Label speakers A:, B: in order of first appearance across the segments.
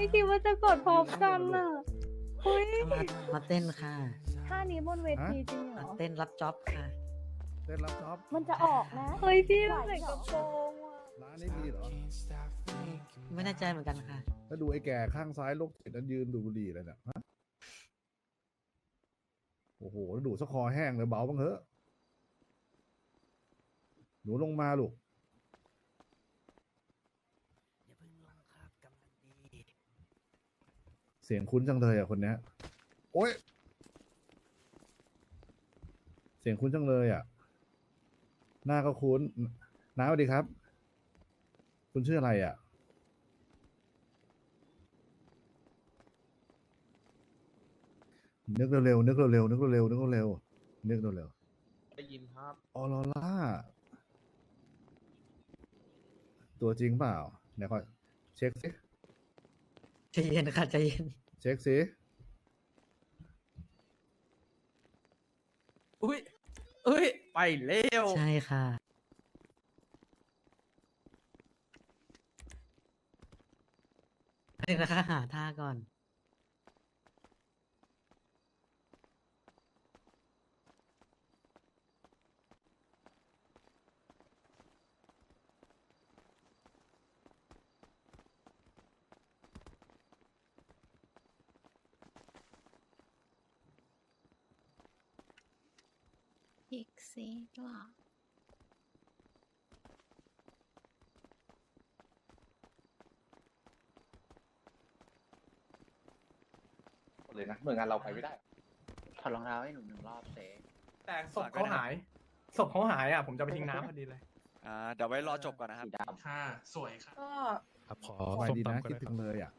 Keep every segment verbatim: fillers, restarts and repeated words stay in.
A: ไม่คิดว่าจะกดพร้อมกันน่ะเฮ้ย
B: มามาเต้นค่ะ
A: ท่านี้บนเวทีจริงเหร
B: มา
A: อ
B: เต้นรับจ็อบค่ะ
C: เต้นรับจ็อบ
A: มันจะออกนะ เฮ้ยพี่เราใส่กระโปรงอ่ะ
C: ร้านนี้ดีเหรอ
B: ไม่แน่ใจเหมือนกันค่ะ
C: ถ้าดูไอ้แก่ข้างซ้ายโรคจิตนั้นยืนดูดบุหรี่เลยเนี่ยฮะโอ้โหแล้วดูดสะคอแห้งเลยเบาบ้างเถอะหนูลงมาลูก
B: อย่าเพิ่งลงครับกำลังดี
C: เสียงคุ้นจังเลยอ่ะคนเนี้ยโอ้ยเสียงคุ้นจังเลยอ่ะ หน้าก็คุ้นน้าสวัสดีครับ คุณชื่ออะไรอ่ะ นึกเร็วๆนึกเร็วๆนึกเร็วๆนึกเร็วๆนึกเร็ว
D: ได้ยินครับ
C: ๆออโรล่าตัวจริงเปล่าไหนขอเช็คสิ
B: ใจเย็นค่ะใจเย็น
C: เช็คสิ
D: อุ้ยเอ้ย ไปเร็ว
B: ใช่ค่ะเดี๋ยวนะคะหาท่าก่อน
E: อีกสิหรอ
F: เลยนะหน่วยงานเราไปไม่ได้
G: ถอดรองเท้าให้หนูหนึ่งรอบเซ
D: แต่ศพเขาหาย ศพเขาหายอ่ะ ผมจะไปทิ้งน้ำพอดีเลย
H: อ่าเดี๋ยวไว้รอจบก่อนนะครับ
G: สีดำ
D: ค่ะ สวยค่ะ
A: ก็
H: ครับขอ
C: สบายดีนะคิดถึงเลยอ่ะ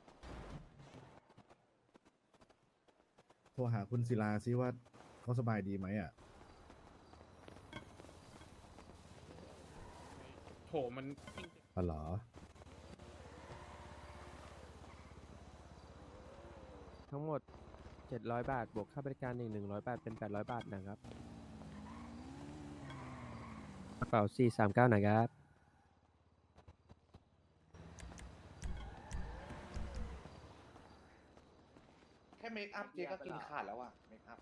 C: โทรหาคุณศิลาซิว่าเขาสบายดีไหมอ่ะ
D: โห มัน
C: อ๋อเหรอ
I: ทั้งหมด เจ็ดร้อย บาท บวกค่าบริการอีก หนึ่งร้อย บาท เป็น แปดร้อย บาทนะครับ กระเป๋า สี่สามเก้า นะครับ
F: แค่เมคอัพเจ๊ก็กินขาดแล้วอะเมคอัพ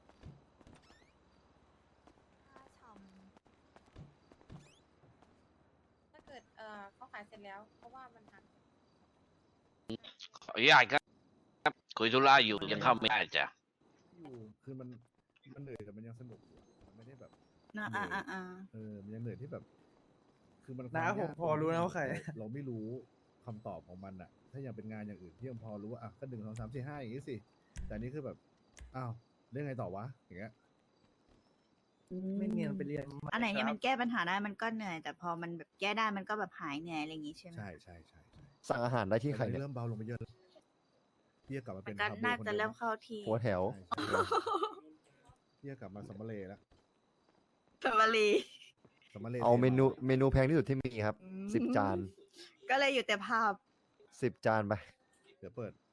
A: ถ้าเกิดเอ่อเขาขายเสร็จแล้ว เพราะว่ามันทัน
J: ขออนุญาตครับคุยธุระอยู่ยังเข้าไม่ได้จ้ะ
C: อยู่คือมันมันเหนื่อยแต่มันยังสนุกอยู่อะมันไม่ได้แบบ
E: อ่า
C: เหนื่
E: อ่า
C: อย
E: อ่า
C: เออมันยังเหนื่อยที่แบบ คือมัน
D: น้า
C: คว
D: ผม
C: ยก
D: พอรู้นะว่าใคร
C: เเราไม่รู้คำตอบของมันอะถ้ายังเป็นงานอย่างอื่นที่ยังพอรู้ว่าอ่ะก็หนึ่งสองสามสี่ห้าอย่างงี้สิแต่อันนี้คือแบบอ้าวเรื่องไงต่อวะอย่างเงี้ย
D: ไม่เนียนไปเรียน
E: อันไหนเนี่ยมันแก้ปัญหาได้มันก็เหนื่อย แต่พอมันแบบแก้ได้มันก็แบบหายเหนื่อยอะไรอย่างงี้ใช่ไหม
C: ใช่ใช่ใช่ใช่
I: สั่งอาหารได้ที่ใคร
C: แต่ตอน
I: เนี่
C: นี้
I: ย
C: เริ่มเบาลงไปเยอะแล้วพี่จะกลับมา
E: มั
C: เป็น น
E: ก็
C: คาบู
E: น่า
C: คน
E: จะ
C: เดิ
E: เริ่
C: ม
E: มเข้าที่
I: หัวแถว
C: ใช่ใช่พี่จะกลับมาสัมมาเลแล้ว
E: สวัสดี
C: สัมมาเล
I: เอาเมนูเมนูแพงที่สุดที่มีครับ สิบจาน
E: ก็เลยอยู่แต่ภาพ
I: สิบจานไป
C: เดี๋ยวเปิด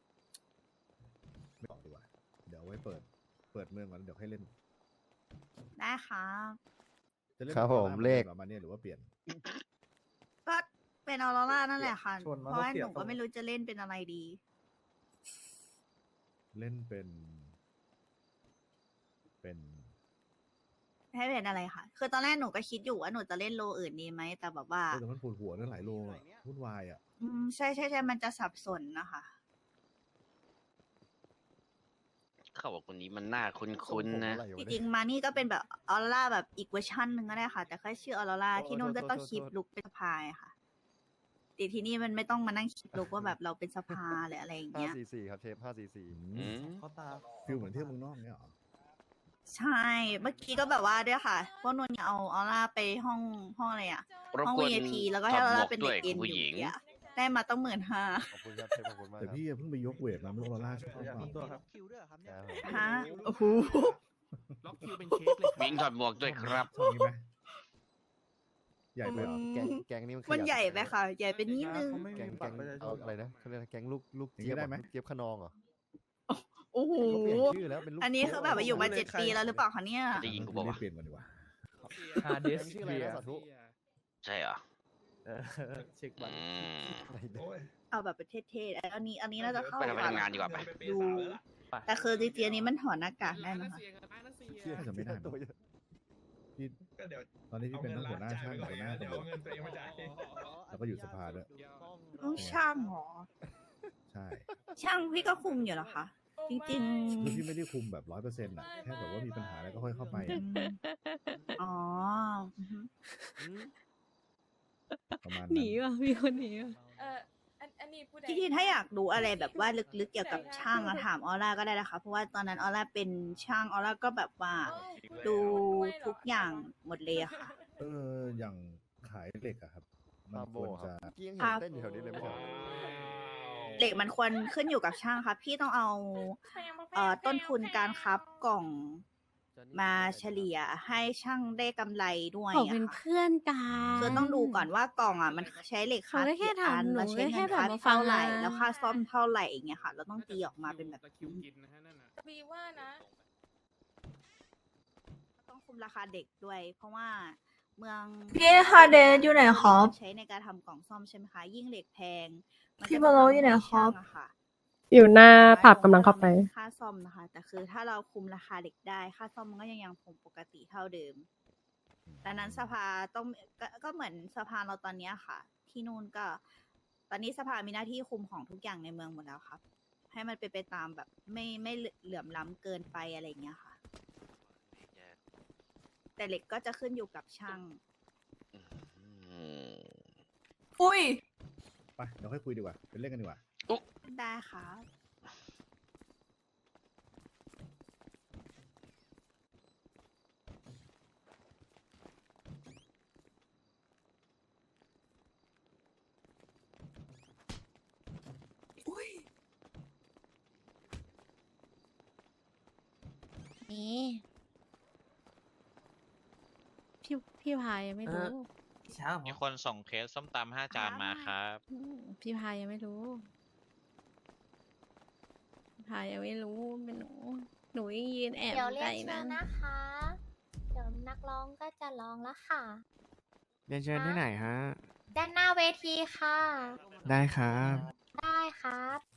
C: ไม่บอกดีกว่าเดี๋ยวไว้เปิด เปิดเมืองก่อนเดี๋ยวให้เล่น
E: ได้ครับ
C: จะเล่น
I: ครับผม
C: ออร่า
I: เลข
C: หมือนดิมหรอมาเนี่ยหรือว่าเปลี่ยน
E: ก็เป็นออโรร่านั่นแหละค่ะ
D: ชวนมา
E: เพราะว่า
D: เขาเสีย
E: หนู
D: ทร
E: ก็
D: ง
E: ไม่รู้จะเล่นเป็นอะไรดี
C: เล่นเป็น เป็น
E: ให้เป็นอะไรค่ะ คือตอนแรกหนูก็คิดอยู่ว่าหนูจะเล่นโลอื่นดีไหม แต่แบบว่า
C: เออแต่มันปวดหัวเรื่องหลายโลอ่ะวุ่นวายอ่ะ
E: อืมใช่ใช่ใช่มันจะสับสนนะคะ
J: เขาบอกคนนี้มันหน้าคุ้นๆนะ
E: จริงๆมานี่ก็เป็นแบบออโรร่าแบบอีกเวอร์ชันหนึ่งก็ได้ค่ะ แต่แค่ชื่อออโรร่าที่นู่นก็ต้องคลิปลุกเป็นสภาค่ะแต่ที่นี่มันไม่ต้องมานั่งคลิปลุกว่าแบบเราเป็นสภาหรืออะไรอย่าง
I: ห้า
E: เงี้ย
I: สี่สี่ครับเชฟห้าสี่สี่
J: อืม
D: เขาตา
C: ฟิลเหมือนเที่ยวเมืองนอกเนี่ยเหรอ
E: ใช่ เมื่อกี้ก็แบบว่าด้วยค่ะพวกนุ่นเอาออร่าไปห้องห้องอะไรอ่ะ
J: รบ
E: ห้อง
J: กวน
E: วี ไอ พี แล้วก็ให้ออร่าเป็น
J: ด้
E: เด็
J: วย
E: กเอ็น
J: ผู้
E: อ
J: หญิ
E: ยู่
J: ง
E: เนี่ยได้มาต้องหมื่นห้า
I: ขอบคุณครับเชฟขอบคุณมาก
C: แต่
I: ครับ
C: พี่เพิ่งไปยกเวทมาไม่รู้ออร่าชอบเปล่า
D: ตัวครับ
I: ครับผม
E: ฮะโอ้โห
D: ล็อกคิวเป็นเคสเลย
J: วิ่งถอดหมวกด้วยครับ
C: ชอบนี้ไหมใหญ่ไปเหรอ
I: แกงแกงนี่มันขยับ
E: มันใหญ่ไปค่ะ ใหญ่ไปนิดนึง
D: เขาไม่
I: แก
D: มี
I: งแก
D: บัต
I: ง
D: รประชาช
I: เอา
D: น
I: อะไรนะเขาเรียกอะไรแกงลูกลูก
C: อย่าง
I: เจี๊
C: นี้
I: ยบ
C: ได้
I: อะ
C: ไหม
I: ลูกเจี๊ยบขนองเหรอ
E: โอ้โห
I: เขาเปลี่ยนชื่อแล้วเป็นลูก
E: อันนี้คือแบบว่าอยู่มาเจ็ดปีแล้วหรือเปล่าคะเนี่ย
J: ได้ยินกูบอกว่า
C: เปลี่ยนก่อนดีกว่า
D: ฮาร์ดดิส
I: ชื่ออะไรนะสาธุ
J: ใช่เหรอ
D: เออเช็คบัตร
J: อืม
I: อะไรเนี่ย
E: เอาแบบประเทศเทศอันนี้ อันนี้น่าจะเข้า
J: ไปทำ
E: ก่อน
J: งานดีกว่าไป
E: ดู แต่คือจริงๆอันนี้มันถอดหน้ากากได้นะคะ
C: น่าจะไม่ได้มั้งพี่ตอนนี้พี่เป็นทั้งหัวหน้าช่างหัวหน้าตำรวจแล้วก็อยู่สภาด้วย
E: ต้องช่างเหรอ
C: ใช่
E: ช่างพี่ก็คุมอยู่เหรอคะ จริง
C: คือพี่ไม่ได้คุมแบบร้อยเปอร์เซ็นต์อ่ะแค่แบบว่ามีปัญหาอะไรก็ค่อยเข้าไป
E: ๆอื
C: อะ
E: มอ๋ออือฮึ
C: ประมาณ
A: หนี
C: นั้น
A: ว่ะมีคนหนีว่ะเอออันอันนี้พูดได้
E: จริงๆถ้าอยากรู้อะไรแบบว่าลึกๆเกี่ยวกับช่างอะถามออร่าก็ได้นะคะ เพราะว่าตอนนั้นออร่าเป็นช่างออร่าก็แบบว่า ดูทุกอย่างหมดเลยอะค่ะ
C: เอออย่างขายเหล็กอะครับ มันควรจะ
E: ครับเหล็กมันควรขึ้นอยู่กับช่างครับพี่ต้องเอาเอ่อต้นทุนการคับกล่องมาเฉลี่ยให้ช่างได้กำไรด้วย
A: เขา
E: อะ
A: เป็น
E: ค่ะ
A: เพื่อนกัน
E: คือต้องดูก่อนว่ากล่องอ่ะมันใช้เหล็ก
A: เขา
E: คัด
A: ได้แค่
E: กี่อัน
A: ทำหนู
E: แล้วใช้
A: ได้แค่
E: เงินคัด
A: แบบมาฟัง
E: เท่าไหร่
A: นะ
E: แล้วค่าซ่อมเท่าไหร่อย่างเงี้ยค่ะ เราต้องตีออกมาเป็นแบบนี้
A: วีว่านะ
E: ต้องคุมราคาเด็กด้วย เพราะว่าเมือง
A: พี่ฮาเดสอยู่ไหนครับ
E: ใช้ในการทำกล่องซ่อมใช่ไหมคะยิ่งเหล็กแพงมัน
A: พี่
E: ก็
A: บาโล
E: จะ
A: อยู่ไหน
E: ทำให้
A: ครับ
E: ช่างอะค่ะ
A: อยู่หน้าผับกำลังเข้าไป
E: ค่าซ่อมนะคะ แต่คือถ้าเราคุมราคาเด็กได้ ค่าซ่อมมันก็ยังยังคงปกติเท่าเดิม ดังนั้นสภาต้องกก็เหมือนสภาเราตอนเนี้ยค่ะ ที่นู่นก็ ตอนนี้สภามีหน้าที่คุมของทุกอย่างในเมืองหมดแล้วครับ ให้มันเป็นไปตามแบบไม่ไม่เหลื่อมล้ำเกินไปอะไรอย่างเงี้ยค่ะ แต่เหล็กก็จะขึ้นอยู่กับช่าง
J: อืม
A: อุ้ย
C: ไปเดี๋ยวค่อยคุยดีกว่าเป็นเรื่องกันดีกว่า
E: ได้ครับ
A: นี่พี่พี่พายยังไม่รู้
H: มีคนส่งเคสส้มตำห้าจานมาครับ
A: อืมพี่พายยังไม่รู้พี่พายยังไม่รู้เป็นหนู หนูยังยืนแอบ
K: เดี๋ยว
A: อยู่
K: เรี
A: ใก
K: ย
A: ล้
K: กเชิ
A: นั้
K: ญ
A: น
K: นะคะ เดี๋ยวนักร้องก็จะร้องแล้วค่ะ
I: เรียนเชิญที่ไหนฮะ
K: ด้านหน้าเวทีค่ะ
I: ได้ครับ
K: ได้ครับ